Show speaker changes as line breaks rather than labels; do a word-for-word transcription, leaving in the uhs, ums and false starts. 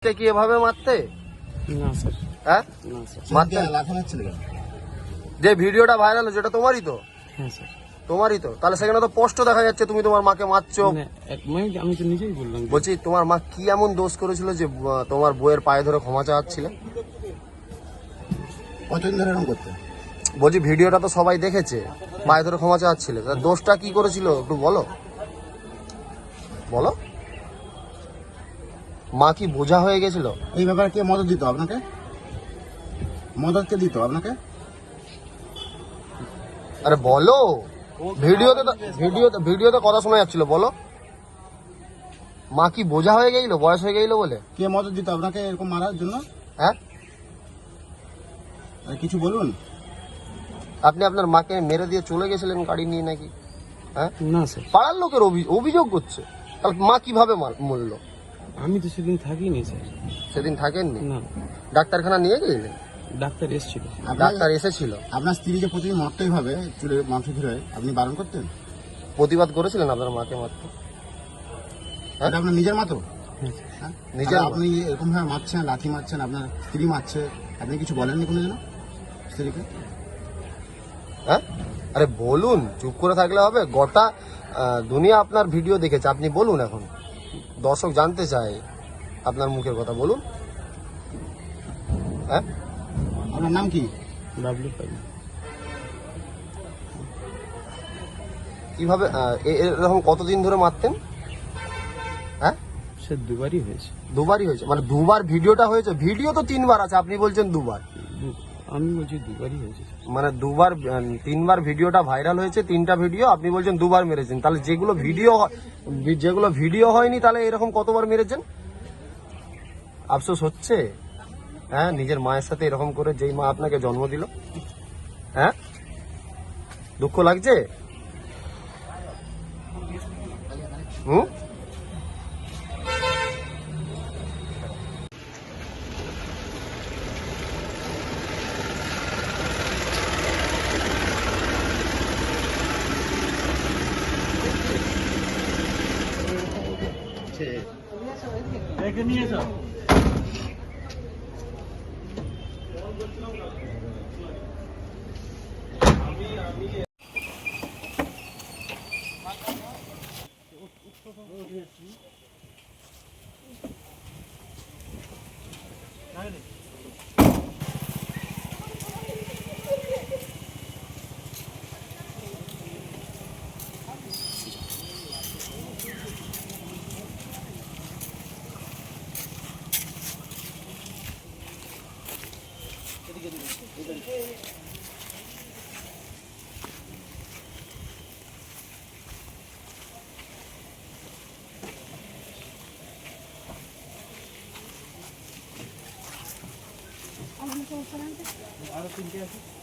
কি এভাবে মারতে?
না স্যার।
হ্যাঁ
না স্যার।
মারতে
লাফানো ছিল
যে ভিডিওটা ভাইরাল হচ্ছে এটা তোমারই তো?
হ্যাঁ স্যার।
তোমারই তো? তাহলে সেখানে তো স্পষ্ট দেখা যাচ্ছে তুমি তোমার মাকে মারছো।
মানে এক- আমি- আমি তো নিজেই বললাম।
বলছি তোমার মা কি এমন দোষ করেছিল যে আহ, তোমার বইয়ের পায়ে ধরে ক্ষমা চাওয়াচ্ছিলে?
কতদিন ধরে এরকম করতে?
বলছি ভিডিওটা তো সবাই দেখেছে, পায়ে ধরে ক্ষমা চাওয়াচ্ছিলে, তা দোষটা কি করেছিল একটু বলো বলো। মা কি বোঝা হয়ে গেছিল?
এই ব্যাপারে কে মদত দিত আপনাকে? মদত কে দিত আপনাকে?
আরে বলো, ভিডিওতে তো ভিডিওতে ভিডিওতে কথা শোনা যাচ্ছিল, বলো। মা কি বোঝা হয়ে গেছিল বয়স হয়ে গেছিল বলে?
কে মদত দিত আপনাকে এরকম মারার জন্য?
হ্যাঁ
আর কিছু বলুন।
আপনি আপনার মাকে মেরে দিয়ে চলে গেছিলেন গাড়ি নিয়ে নাকি? হ্যাঁ
না স্যার।
পাড়ার লোকের অভি- অভিযোগ করছে, তাহলে মা কিভাবে মার- মরলো?
আমি তো সেদিন থাকিনি স্যার।
সেদিন থাকেননি?
না,
ডাক্তারখানা নিয়ে গেলেন?
ডাক্তার এসেছিল।
আপনার-
ডাক্তার এসেছিল?
আপনার স্ত্রী যে প্রতিদিন মরতেই ভাবে চুলে মাংস ধরে, আপনি বারণ করতেন?
প্রতিবাদ করেছিলেন আপনার মাকে মারতে? হ্যাঁ?
এটা আপনার নিজের মাতো?
হ্যাঁ স্যার।
হ্যাঁ?
নিজের
আর
মা।
আপনি এরকম ভাবে মারছেন, লাঠি মারছেন, আপনার স্ত্রী মারছে, আপনি কিছু বলেননি কোনো দিনও স্ত্রীকে?
হ্যাঁ আরে বলুন, চুপ করে থাকলে হবে? গোটা আহ, দুনিয়া আপনার ভিডিও দেখেছে, আপনি বলুন। এখন দর্শক জানতে চায় আপনার মুখের কথা, বলুন। হ্যাঁ
আপনার নাম কি?
বাবলু পাই।
কিভাবে আহ, এ- এরকম কতদিন ধরে মারতেন? হ্যাঁ
সে দুবারই হয়েছে।
দুবারই হয়েছে? মানে দুবার ভিডিওটা হয়েছে? ভিডিও তো তিনবার আছে, আপনি বলছেন দুবার।
দু- আমি বলছি দুবারই হয়েছে।
মানে দুবার আহ, তিনবার ভিডিওটা ভাইরাল হয়েছে, তিনটা ভিডিও, আপনি বলছেন দুবার মেরেছেন। তাহলে যেগুলো ভিডিও হয়- যেগুলো ভিডিও হয়নি তাহলে এরকম কতবার মেরেছেন? আফসোস হচ্ছে? হ্যাঁ নিজের মায়ের সাথে এরকম করে, যেই মা আপনাকে জন্ম দিল। হ্যাঁ দুঃখ লাগছে? হুম
আরো তিনটে আছে।